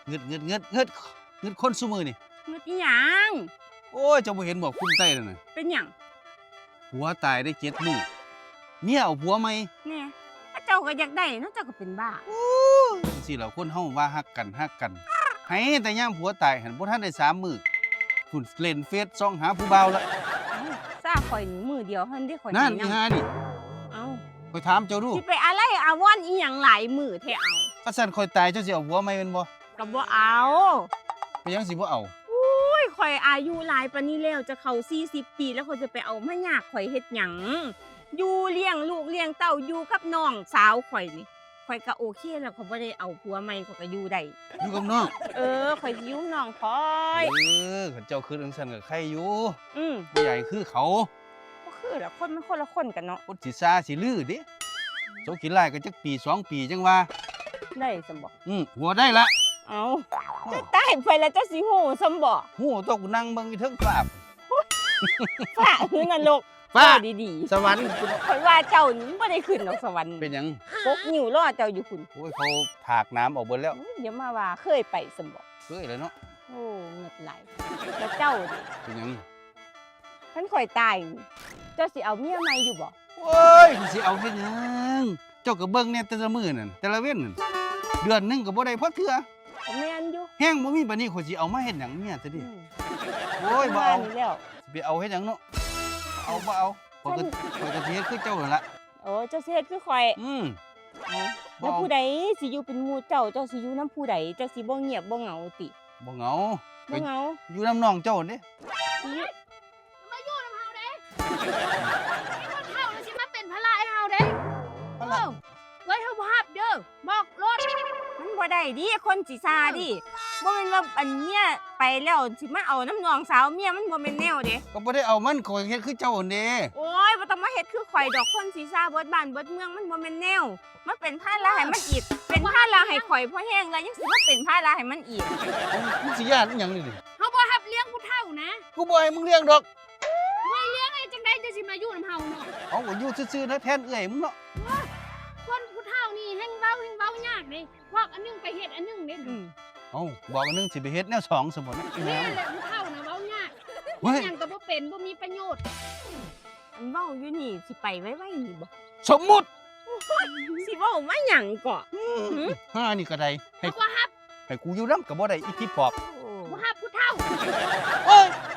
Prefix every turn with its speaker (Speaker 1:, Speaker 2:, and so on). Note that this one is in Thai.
Speaker 1: เงึดคนซุมื้อนี่
Speaker 2: เงืดอีหยัง
Speaker 1: โอ้ยเจ้าบ่เห็นบ่คุ้มใต้นั่นน่ะ
Speaker 2: เป็นหยัง
Speaker 1: ผัวตายได้7มื้อเมียเอาผัวใหม่
Speaker 2: แน่ถ้าเจ้าก็อยากได้เนาะเจ้าก็เป็นบ้า
Speaker 1: จังซี่ล่ะคนเฮาว่าฮักกันให้แต่ยามผัวตายหันบ่ทันได้3มื้อพุ่นเล่นเฟซส่องหาผู้บ่าวละ
Speaker 2: เอ้าซ่าข่อยนี่มือเดียวเท่านั้นได้ข่อย
Speaker 1: นั่น
Speaker 2: สิ
Speaker 1: อี
Speaker 2: ง
Speaker 1: ห่านี่
Speaker 2: เอ้า
Speaker 1: ข่อยถามเจ้าดู
Speaker 2: สิไปอะไรอาวรณ์อีหยังหลายมือแท้เอา
Speaker 1: ถ้าซั่นข่อยตายเจ้าสิเอาผัวใหม่แม่นบ่
Speaker 2: ก็บ่เอา
Speaker 1: ไปยังสิบ่เอา
Speaker 2: อุ้ยข่อยอายุหลายปานนี้แล้วจะเข้า40 ปีแล้วข่อยจะไปเอามายากข่อยเฮ็ดหยังอยู่เลี้ยงลูกเลี้ยงเต้าอยู่กับน้องสาวข่อยนี่ข่อยก็โอเคแล้วข่อยบ่ได้เอาผัวใหม่ข่อยก็อยู่ได้
Speaker 1: อยู่กับน้อง
Speaker 2: ข่อยสิอยู่น้องข่อย
Speaker 1: คันเจ้าคือจังซั่นก็ใครอยู่
Speaker 2: อืม
Speaker 1: บ่ใหญ่คือเขา
Speaker 2: บ่คือละคนมันคนละคนกันเนาะ
Speaker 1: คนสิซาสิลือเด้โจกินไล่ก็จักปี2ปีจังว่า
Speaker 2: ได้ซั่นบ่
Speaker 1: หัวได้ละ
Speaker 2: เอาเจ้าตายไปแล้วเจ้าสิฮู้ซำบ่
Speaker 1: หูตกนั่งเบิ่งอยู่เทิงฟ้า
Speaker 2: ฟ้าคือนรก
Speaker 1: ฟ้า
Speaker 2: ดี
Speaker 1: สวรรค์
Speaker 2: ๆข่อยว่าเจ้านี่บ่ได้ขึ้นดอกสวรรค์
Speaker 1: เป็นหยัง
Speaker 2: ปกนิ้วรอเจ้าอยู่พุ่น
Speaker 1: โอ้ยเขาถากน้ำออกเบิดแล้ว
Speaker 2: อย่ามาว่าเคยไปซั่นบ่
Speaker 1: เฮ้ยแล้วเนาะ
Speaker 2: โอ้เงิดไหลแล้วเจ้าดิ
Speaker 1: เป็นหยัง
Speaker 2: ท่านข่อยตายนี่เจ้าสิเอาเมียใหม่อยู่บ่
Speaker 1: โอ้ยสิเอาเฮ็ดหยังเจ้าก็เบิ่งเนี่ยแต่ละมื้อนั่นแต่ละเว้นนั่นเดือนหนึงก็บ่ได้พอเทื่อ
Speaker 2: ก็แม่นอยู่
Speaker 1: แฮงบ่มีบัดนี้ข่อยสิเอามาเฮ็ดหยังเมียซะดิ
Speaker 2: อืม
Speaker 1: โอ้ยบ่เอา
Speaker 2: ว่นี่แล้ว
Speaker 1: สิไปเอาเฮ็ดหยังเนาะบ่เอาข่อยก็สิเฮ็ดคือเจ้านั่นล่ะ
Speaker 2: โอ้เจ้าสิเฮ็ดคือข่อย
Speaker 1: บ่
Speaker 2: แล้ว
Speaker 1: เอา
Speaker 2: ผู้ใดสิอยู่เป็นหมู่เจ้าเจ้าสิอยู่นํผู้ใดเจ้าสิบ่เงียบบ่เหงาติ
Speaker 1: บ่เหงา
Speaker 2: บ่เหงา
Speaker 1: อยู่น้ำน้องเจ้าเด้
Speaker 2: สิอยู่
Speaker 3: มาอยู่น้ำเฮาเด้คนเฮาแล้วสิมาเป็นภาระให้เฮาเด้
Speaker 1: พะล่ะ
Speaker 3: ไว้เฮาบ่ฮับเด้อบอกรถ
Speaker 2: มันบ่ได้ดิคนสิซาดิบ่แม่นว่าอันเมียไปแล้วสิมาเอาน้ำนองสาวเมียมันบ่แม่นแนวเด้
Speaker 1: ก็บ่ได้เอามันข่อยเฮ็ดคือเจ้านั่นเด้
Speaker 2: โอ้ยบ่ต้องมาเฮ็ดคือข่อยดอกคนสีซาเบิดบ้านเบิดเมืองมันบ่แม่นแนวมันเป็นภาระให้มันอีก เป็นภาระให้ข่อยเพราะแห้งแล้วยังสิมาเป็นภาระให้มันอีก
Speaker 1: มึงสิย่านอีหยังนี่ดิ
Speaker 3: เฮาบ่ฮับเลี้ยงผู้เฒ่านะ
Speaker 1: กูบ่ให้มึงเลี้ยงดอก
Speaker 3: ไม่เลี้ยงไอ้จังได๋จะสิมาอยู่น้ำเฮาเนาะ
Speaker 1: เอาก็อยู่ซื่อๆนะแทนเอื้อยมึงเนาะ
Speaker 3: คนผู้เฒ่านี่แฮงเว้ายากเด้บอกอันหนึงไปเฮ็ดอันหนึงเด้
Speaker 1: เอาบอกอันนึงสิไปเฮ็ดแนวสองสมมุตินะอีแม่
Speaker 3: แม่แหละผู้เฒ่าน่ะเว้ายาก
Speaker 1: เฮ้ย
Speaker 3: หยังก็บ่เป็นบ่มีประโยชน์
Speaker 2: อันเว้าอยู่นี่สิไปไว้นี่บ่
Speaker 1: สมมุติ
Speaker 2: สิเว้ามาหยังก่อ
Speaker 1: ห้านี่ก็ได้ให้
Speaker 3: เฮาบ่ฮับ
Speaker 1: ให้กูอยู่นำก็บ่ได้อีที่ปอบ
Speaker 2: โอ้
Speaker 3: บ่ฮับผู้เฒ่า
Speaker 1: เอ้ย